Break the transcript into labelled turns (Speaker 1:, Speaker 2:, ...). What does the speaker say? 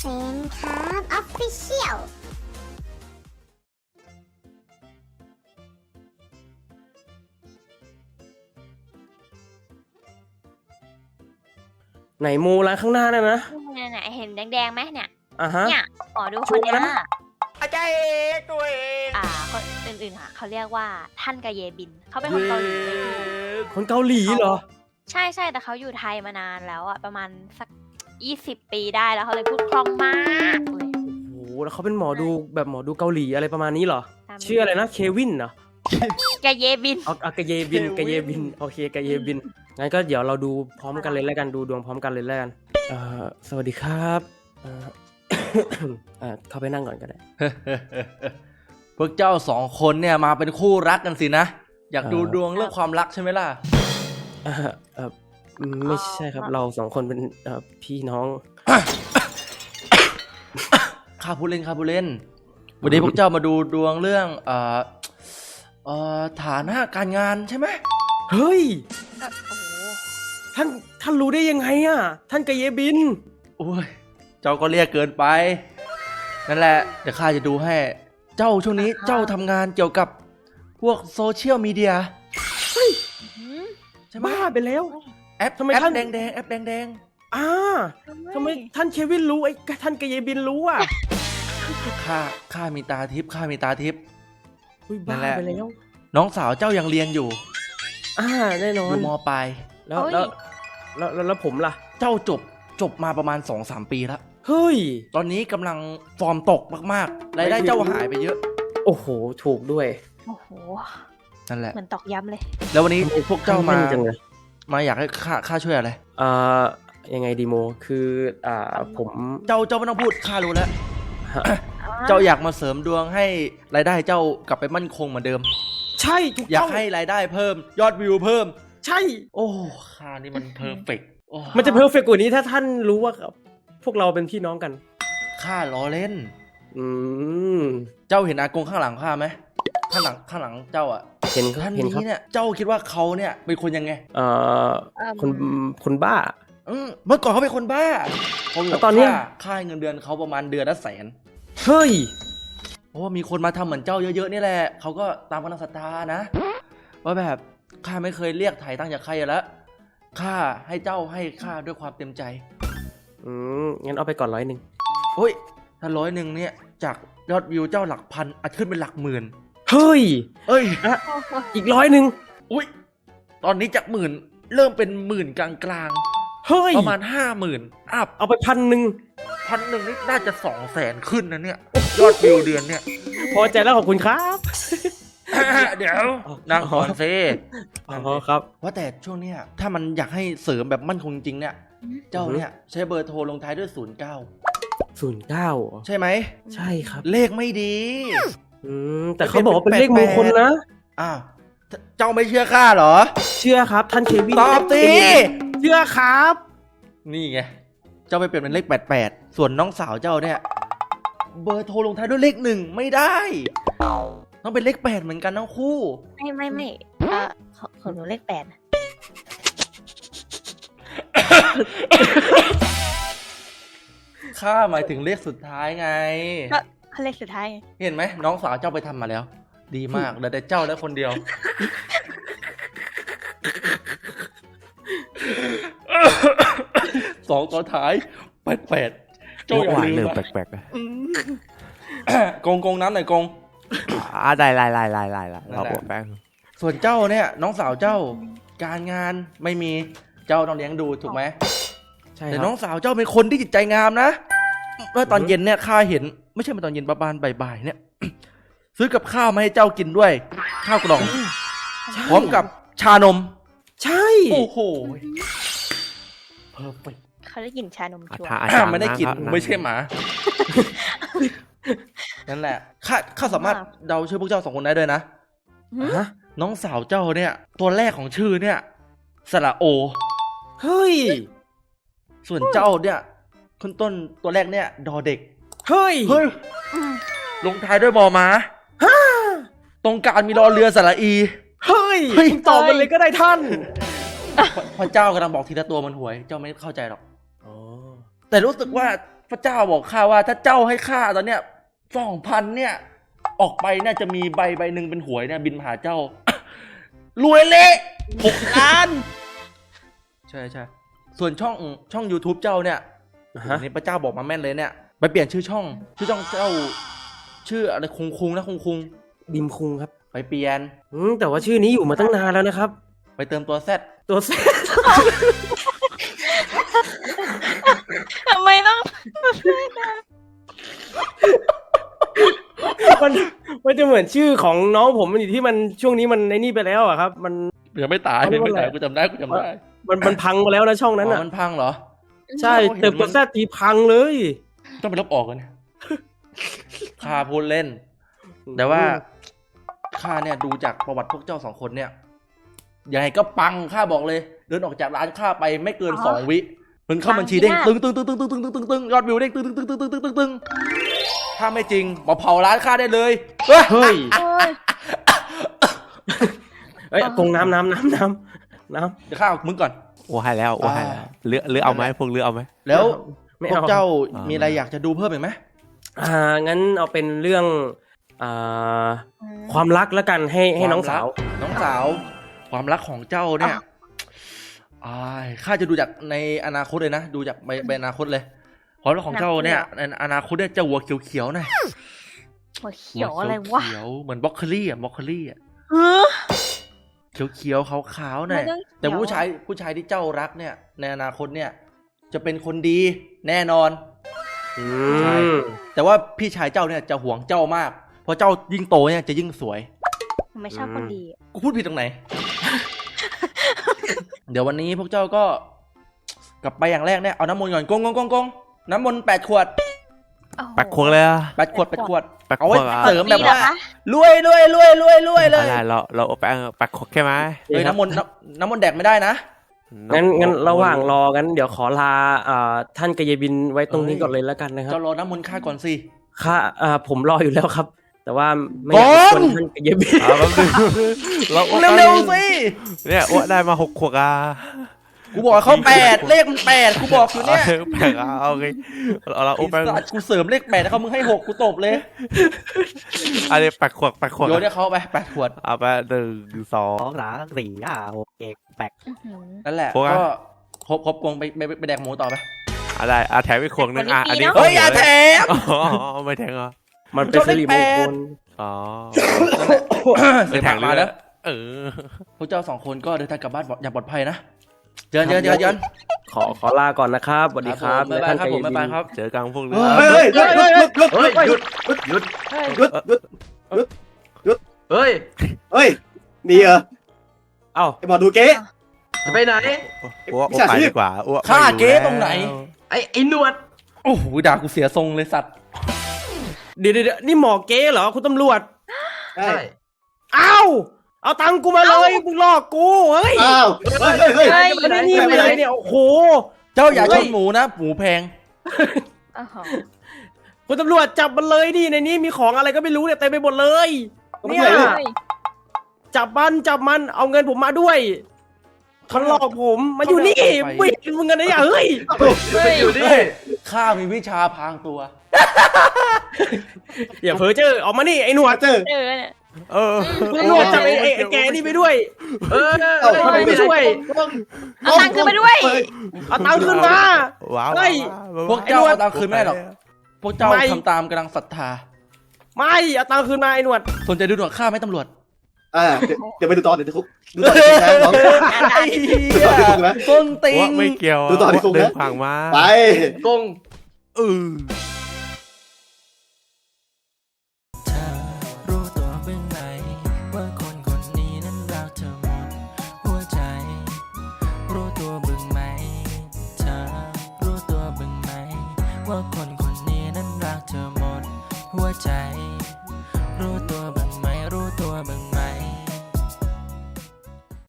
Speaker 1: นครับออฟฟิเชียล
Speaker 2: ไหนโมร้านข้างหน้านั่นนะ
Speaker 3: เนี่ยเห็นแดงๆไหมเนี่ย
Speaker 2: ฮะ
Speaker 3: เนี่ยหมอดูคนเนี้ย
Speaker 4: อาจารย์เอกตัวเอง
Speaker 3: คนอื่นๆค่ะเขาเรียกว่าท่านกาเยบินเขาเป็นคนเกาหลีเลยพี่
Speaker 2: คนเกาหลีเหรอ
Speaker 3: ใช่แต่เขาอยู่ไทยมานานแล้วอะประมาณสัก20 ปีได้แล้วเขาเลยพูดคล่องมากเลย
Speaker 2: โอ้โหแล้วเขาเป็นหมอดูแบบหมอดูเกาหลีอะไรประมาณนี้เหรอ
Speaker 3: ตามนี้
Speaker 2: ชื่ออะไรนะเควินเหรอ
Speaker 3: กาเยบิน
Speaker 2: เอากะเยบินกะเยบินโอเคกะเยบินงั้นก็เดี๋ยวเราดูพร้อมกันเลยแล้วกันดูดวงพร้อมกันเลยแล้วกันสวัสดีครับเข้าไปนั่งก่อนก็ได้
Speaker 4: พวกเจ้าสองคนเนี่ยมาเป็นคู่รักกันสินะ อยากดูดวงเรื่องความรักใช่ไหมล่ะ
Speaker 2: ไม่ใช่ครับเราสองคนเป็นพี่น้อง
Speaker 4: ข้าผู้เล่นวันนี้พวกเจ้ามาดูดวงเรื่องฐานะการงานใช่ไหม
Speaker 2: เฮ้ย
Speaker 3: โอ้โห
Speaker 2: ท่านรู้ได้ยังไงอ่ะท่านกะเยบิน
Speaker 4: โอ้ยเจ้าก็เรียกเกินไปนั่นแหละเดี๋ยวข้าจะดูให้เจ้าช่วงนี้เจ้าทำงานเกี่ยวกับพวกโซเชียลมีเดีย
Speaker 3: หืม
Speaker 4: ใช่ไหม
Speaker 2: บ้าไปแล้ว
Speaker 4: แอป
Speaker 2: ทำไม
Speaker 4: แอป
Speaker 2: ท่าน
Speaker 4: แดงแอปแดง
Speaker 2: ทำไมท่านเควินรู้ไอ้ท่านกะเยบินรู้อ่ะ
Speaker 4: ข้ามีตาทิพย์
Speaker 2: อุ้ย
Speaker 4: นั่
Speaker 2: บ้าน
Speaker 4: แหละ
Speaker 2: ไปแล้ว
Speaker 4: น้องสาวเจ้ายังเรียนอยู่
Speaker 2: แน่นอ
Speaker 4: อน ยู่ม.ปลาย
Speaker 2: แล้วผมล่ะ
Speaker 4: เจ้าจบมาประมาณ 2-3 ปีแล้ว
Speaker 2: เฮ้ย
Speaker 4: ตอนนี้กำลังฟอร์มตกมากๆรายได้เจ้าหายไปเยอะ
Speaker 2: โอ้โหถูกด้วย
Speaker 3: โอ้โห
Speaker 4: นั่นแหละ
Speaker 3: เหมือนตอกย้ำเลย
Speaker 4: แล้ววันนี้พวกเจ้ามา
Speaker 2: แนจังเลย
Speaker 4: อยากให้ข้าช่วยอะไร
Speaker 2: ยังไงดีโมคือผม
Speaker 4: เจ้าไม่ต้องพูดข้ารู้แล้ว เจ้าอยากมาเสริมดวงให้รายได้เจ้ากลับไปมั่นคงเหมือนเดิม
Speaker 2: ใช่ถูก
Speaker 4: อยา
Speaker 2: ต้
Speaker 4: ก
Speaker 2: อง
Speaker 4: ให้รายได้เพิ่มยอดวิวเพิ่ม
Speaker 2: ใช่
Speaker 4: โอ้ข้านี่มันเพอร์เฟกต์
Speaker 2: มันจะเพอร์เฟกต์กว่านี้ถ้าท่านรู้ว่าพวกเราเป็นพี่น้องกัน
Speaker 4: ข้าล้อเล่น
Speaker 2: อืม
Speaker 4: เจ้าเห็นอากงข้างหลังข้าไหมข้างหลังเจ้าอ่ะ
Speaker 2: เห็นครั
Speaker 4: ท่า
Speaker 2: บ
Speaker 4: น
Speaker 2: เห็นครับ
Speaker 4: นี้เนี่ยเจ้าคิดว่าเขาเนี่ยเป็นคนยังไง
Speaker 2: คนบ้า
Speaker 4: เมื่อก่อนเขาเป็นคนบ้า
Speaker 2: แล้วตอนเนี้ย
Speaker 4: ค่าเงินเดือนเขาประมาณเดือนละ100,000
Speaker 2: เฮ้ย
Speaker 4: เพราะว่ามีคนมาทำเหมือนเจ้าเยอะๆนี่แหละเขาก็ตามกำลังศรัทธานะว่าแบบข้าไม่เคยเรียกไถ่ตังค์จากใครแล้วข้าให้เจ้าให้ข้าด้วยความเต็มใจ
Speaker 2: งั้นเอาไปก่อน100
Speaker 4: โอ้ยถ้า100เนี่ยจากยอดวิวเจ้าหลักพันอาจขึ้นเป็นหลักหมื่น
Speaker 2: เฮ้ย
Speaker 4: เอ้ย
Speaker 2: อีก100
Speaker 4: อุ้ยตอนนี้จากหมื่นเริ่มเป็นหมื่นกลาง
Speaker 2: เฮ้ย
Speaker 4: ๆประมาณ50,000อัพ
Speaker 2: เอาไป1,000
Speaker 4: 1,000นี่น่าจะ200,000ขึ้นนะเนี่ยยอดวิวเดือนเนี่ย
Speaker 2: พอใจแล้วขอบคุณครับ
Speaker 4: เดี๋ยวนั่งก่อนซิ
Speaker 2: อ๋อครับ
Speaker 4: ว่าแต่ช่วงเนี้ยถ้ามันอยากให้เสริมแบบมั่นคงจริงเนี่ยเจ้าเนี่ยใช้เบอร์โทรลงท้ายด้วย09 ใช่ไหม
Speaker 2: ใช่ครับ
Speaker 4: เลขไม่ดี
Speaker 2: แต่เขาบอกว่าเป็นเลขมงคลนะ
Speaker 4: อ้าวเจ้าไม่เชื่อข้าเหรอ
Speaker 2: เชื่อครับท่านเควิน
Speaker 4: ตอบสิ
Speaker 2: เชื่อครับ
Speaker 4: นี่ไงเจ้าไปเปลี่ยนเป็นเลข88ส่วนน้องสาวเจ้าเนี่ยเบอร์โทรลงท้ายด้วยเลข1ไม่ได้ต้องเป็นเลข8เหมือนกันทั้งคู่
Speaker 3: ไม่ของหนูเลข8
Speaker 4: ข้าหมายถึงเลขสุดท้ายไง
Speaker 3: ก็เขาเลขสุดท้ายไง
Speaker 4: เห็นไหมน้องสาวเจ้าไปทำมาแล้ว ดีมากเหลือแต่เจ้าแล้วคนเดียว สองตัวท้าย88เจ้าอย่าลืม
Speaker 5: เริ่ม
Speaker 4: นะ
Speaker 5: แปลกๆนะ
Speaker 4: กงน้ำหน่อยกง
Speaker 5: ได้เราบอกแป๊บ
Speaker 4: ส่วนเจ้าเนี่ยน้องสาวเจ้าการงานไม่มีเจ้าต้องเลี้ยงดูถูกไหม
Speaker 2: ใช่
Speaker 4: แต่
Speaker 2: ค
Speaker 4: น้
Speaker 2: รั
Speaker 4: อบ งสาวเจ้าเป็นคนที่จิตใจงามนะเมื่อตอนเย็นเนี่ยข้าเห็นไม่ใช่มาตอนเย็นประมาณบ่ายๆเนี่ย ซื้อกับข้าวมาให้เจ้ากินด้วย ข้าวกล่องพร้อมกับชานม
Speaker 2: ใช่
Speaker 4: โอ้โหเพอร์เฟกต์
Speaker 3: เขาได้กลิ่นชานมชัวร์
Speaker 5: ถ้าอาจารย์
Speaker 4: ไม่ได้กิน
Speaker 5: นะ
Speaker 4: ไม่ใช่หมา นั่นแหละข้าสามารถเดาชื่อพวกเจ้าสองคนได้ด้วยนะ
Speaker 2: ฮะ
Speaker 4: น้องสาวเจ้าเนี่ย ตัวแรกของชื่อเนี่ยสระโอ
Speaker 2: เฮ้ย
Speaker 4: ส่วนเจ้าเนี่ยขึ้นต้นตัวแรกเนี่ยดอเด็ก
Speaker 2: เฮ้ย
Speaker 4: เฮ้ยลงท้ายด้วยบอม้าตรงกลางมีรอเรือสระอี
Speaker 2: เฮ้ย
Speaker 4: เฮ้ย
Speaker 2: คุณตอบมันเลยก็ได้ท่าน
Speaker 4: พอเจ้ากำลังบอกทีละตัวมันหวย เจ้าไม่เข้าใจหรอก
Speaker 2: อ๋อ
Speaker 4: แต่รู้สึกว่าพระเจ้าบอกข้าว่าถ้าเจ้าให้ข้าตอนเนี้ย2,000เนี่ยออกไปเนี่ยจะมีใบหนึ่งเป็นหวยเนี่ยบินมาหาเจ้า รวยเละ6 ล้าน ใช่ส่วนช่อง YouTube เจ้าเนี่ย
Speaker 2: ฮะ
Speaker 4: นี่พระเจ้าบอกมาแม่นเลยเนี่ยไปเปลี่ยนชื่อช่องเจ้าชื่ออะไรคุงนะคุง
Speaker 2: บิมคุงครับ
Speaker 4: ไปเปลี่ยน
Speaker 2: แต่ว่าชื่อนี้อยู่มาตั้งนานแล้วนะครับ
Speaker 4: ไปเติมตัวแซด
Speaker 2: ตัวแซด
Speaker 3: ทำไมต้อง
Speaker 2: มันจะเหมือนชื่อของน้องผมมันอยู่ที่มันช่วงนี้มันในนี่ไปแล้วอะครับ มัน
Speaker 4: ยังไม่ตายกูจำได้
Speaker 2: มันพังไปแล้วนะช่องนั้น
Speaker 4: อ๋
Speaker 2: อ่ะ
Speaker 4: อมันพังเหรอ
Speaker 2: ใช่เติมตัวแซดทีพังเลย
Speaker 4: ต้องไปลบออกกันเนี่ย ข้าพูดเล่น แต่ว่าข้าเนี่ยดูจากประวัติพวกเจ้า2 คนเนี่ยยังไงก็ปังข้าบอกเลย เดินออกจากร้านข้าไปไม่เกิน2 วิมันเข้าบัญชีเด้งตึงยอดวิวเด้งตึงถ้าไม่จริงมาเผาร้านข้าได้เลย
Speaker 2: เฮ้ย
Speaker 3: โอ้ย
Speaker 2: เอ้ยกงน้ำ
Speaker 4: เดี๋ยวข้าเอามึงก่อน
Speaker 5: โอ้ให้แล้วเลือเอาไหมพวกเลือเอาไหม
Speaker 4: แล้ว
Speaker 2: ไม่
Speaker 4: พว
Speaker 2: เอา
Speaker 4: กเจ้า
Speaker 5: อ่ามี
Speaker 4: มีอะไรอยากจะดูเพิ่มอีกไหม
Speaker 2: งั้นเอาเป็นเรื่องความรักแล้วกันให้น้องสาว
Speaker 4: น้องสาวความรักของเจ้าเนี่ยข้าจะดูจากในอนาคตเลยนะดูจากใบอนาคตเลยความรักของเจ้าเนี่ยในอนาคตเนี่ยจะหัวเขียวๆหน่อย
Speaker 3: หัวเขียวอะไรวะ
Speaker 4: เขียวเหมือนบล็อกโคลี่อะ
Speaker 3: เฮ้อ
Speaker 4: เขียวๆขาวๆหน่อย
Speaker 3: มันต้องเขียว
Speaker 4: แต่ผู้ชายที่เจ้ารักเนี่ยในอนาคตเนี่ยจะเป็นคนดีแน่นอน ใช่ แต่ว่าพี่ชายเจ้าเนี่ยจะห่วงเจ้ามากเพราะเจ้ายิ่งโตเนี่ยจะยิ่งสวย
Speaker 3: ไม่ชอบคนดี
Speaker 4: กูพูดผิดตรงไหน เดี๋ยววันนี้พวกเจ้าก็กลับไปอย่างแรกเนี่ยเอาน้ำมนต์ก่อนกงน้ำมนต์8 ขวด
Speaker 5: แปกควงเลยอะ
Speaker 4: 8 ขวด
Speaker 5: แปด
Speaker 4: เอาไว้
Speaker 5: ขวดอะ
Speaker 4: เสริมแบบ
Speaker 3: มีเหรอ
Speaker 4: ว่า
Speaker 3: คะ
Speaker 4: รวยเลย
Speaker 5: อะไรเราเอาแปกควงใช่ไหม
Speaker 4: เฮ้ยน้ำมนต์แดกไม่ได้นะ
Speaker 2: งั้นระหว่างรอกันเดี๋ยวขอลาท่านกยบินไว้ตรงนี้ก่อนเลยแล้วกันนะครับ
Speaker 4: เจ้ารอน้ำมนต์ข้าก่อนสิ
Speaker 2: ค่าผมรออยู่แล้วครับ แต่ว่าไม่อยากรบกวนท่านกยบิน
Speaker 5: แป๊บนึงเรา
Speaker 4: เร็วๆสิ
Speaker 5: เนี่ยอ้วได้มา6 ขวดอ่ะ
Speaker 4: กูบอกเขา8เลขมัน8กูบอกอยู่เนี่ย
Speaker 5: แปกโอเคเรา
Speaker 4: ไอ้
Speaker 5: แปก
Speaker 4: สัตว์กูเสริมเลข8แล้วเขามึงให้6กูตบเลย
Speaker 5: อันนี้แปกควง
Speaker 4: โยนให้เขาไป8 ขวด
Speaker 5: เอาไป1 2
Speaker 6: 2 3 4 5 6 7 8
Speaker 3: อื้อหือ
Speaker 4: นั่นแหละ
Speaker 5: โฟกัส
Speaker 4: ก็ครบกงไปแดกหมูต่อไป
Speaker 5: อะไรแถมอีกขวดนึงอันนี้
Speaker 4: เฮ้ยอย่าแถม
Speaker 5: ไม่แทงเหรอ
Speaker 2: มันเป็นสิริมงคล
Speaker 5: อ๋อ
Speaker 4: เสียผักมาแล้ว
Speaker 5: อ
Speaker 4: พวกเจ้า2 คนก็เดินทางกลับบ้านอย่างปลอดภัยนะเจอ
Speaker 2: ขอลาก่อนนะครับสวัสดีครับ
Speaker 4: บ๊ายบายครับผมบ๊ายบายครับ
Speaker 5: เจอกันพวกเรื
Speaker 4: เฮ้ย
Speaker 6: เฮ้ยนี่เหรอ
Speaker 2: เอ้า
Speaker 6: ไอ้หมอดูเก๊
Speaker 7: จะไปไหน
Speaker 5: อ้วกไปดีกว่าอ้วก
Speaker 4: ฆ่าเก๊ตรงไหน
Speaker 7: ไอ้หนวด
Speaker 4: โอ้โหด่ากูเสียทรงเลยสัตว์
Speaker 2: เดี๋ยวนี่หมอเก๊เหรอคุณตำรวจ
Speaker 6: ใช่
Speaker 2: เอ้าเอาตังค์กูมาเลยมึงหลอกกูเฮ้ย
Speaker 6: อ้าวเฮ้ย
Speaker 3: เฮ้ย
Speaker 2: ไม่ได้นี่ไม่ได้เนี่ยโอ้โห
Speaker 4: เจ้าอย่าชนหมูนะหมูแพง
Speaker 3: โอ้โห
Speaker 2: คุณตำรวจจับมันเลยดิในนี้มีของอะไรก็ไม่รู้เนี่ยเต็มไปหมดเลยเนี่ย
Speaker 3: เฮ้ย
Speaker 2: จับมันเอาเงินผมมาด้วยเขาหลอกผมมาอยู่นี่บิดมึงกันนะเนี่ยเฮ้ย
Speaker 7: ไปอยู่นี่
Speaker 4: ข้ามีวิชาพรางตัว
Speaker 2: อย่าเพ้อเจ้อออกมานี่ไอ้หนวด
Speaker 3: เจอเนี่ย
Speaker 2: คุณตำรวจจับไอ้แกนี่ไปด้วย ไม่ช่วย
Speaker 3: เอาตังค์ขึ้นมาด้วย
Speaker 2: เอาตังค์ขึ้นมา
Speaker 5: ว้าว
Speaker 2: เฮ้ย
Speaker 4: พวกเจ้าเอาตังค์คืนไม่ได้หรอกพวกเจ้า
Speaker 2: ไม่
Speaker 4: ทำตามกำลังศรัทธา
Speaker 2: ไม่เอาตังค์คืนมาไอ้หนวด
Speaker 4: สนใจดูหนวดข้าไหมตำรวจ
Speaker 6: เดี๋ยวไปดูตอนเดี๋ยวคุกดูตอนที่น้อง
Speaker 4: ไอ้เหี้ยต้นติ
Speaker 5: อ้ว
Speaker 4: ง
Speaker 5: กไม่เกี่ยว
Speaker 6: ดูต่อที่คุกนะ
Speaker 5: เดินผ่านมา
Speaker 6: ไป
Speaker 7: กง
Speaker 8: รู้ตัวบ้างไหมว่าคนคนนี้นั้นรักเธอหมดหัวใจ รู้ตัวบ้างไหมเธอรู้ตัวบ้างไหมว่าคนคนนี้นั้นรักเธอหมดหัวใจ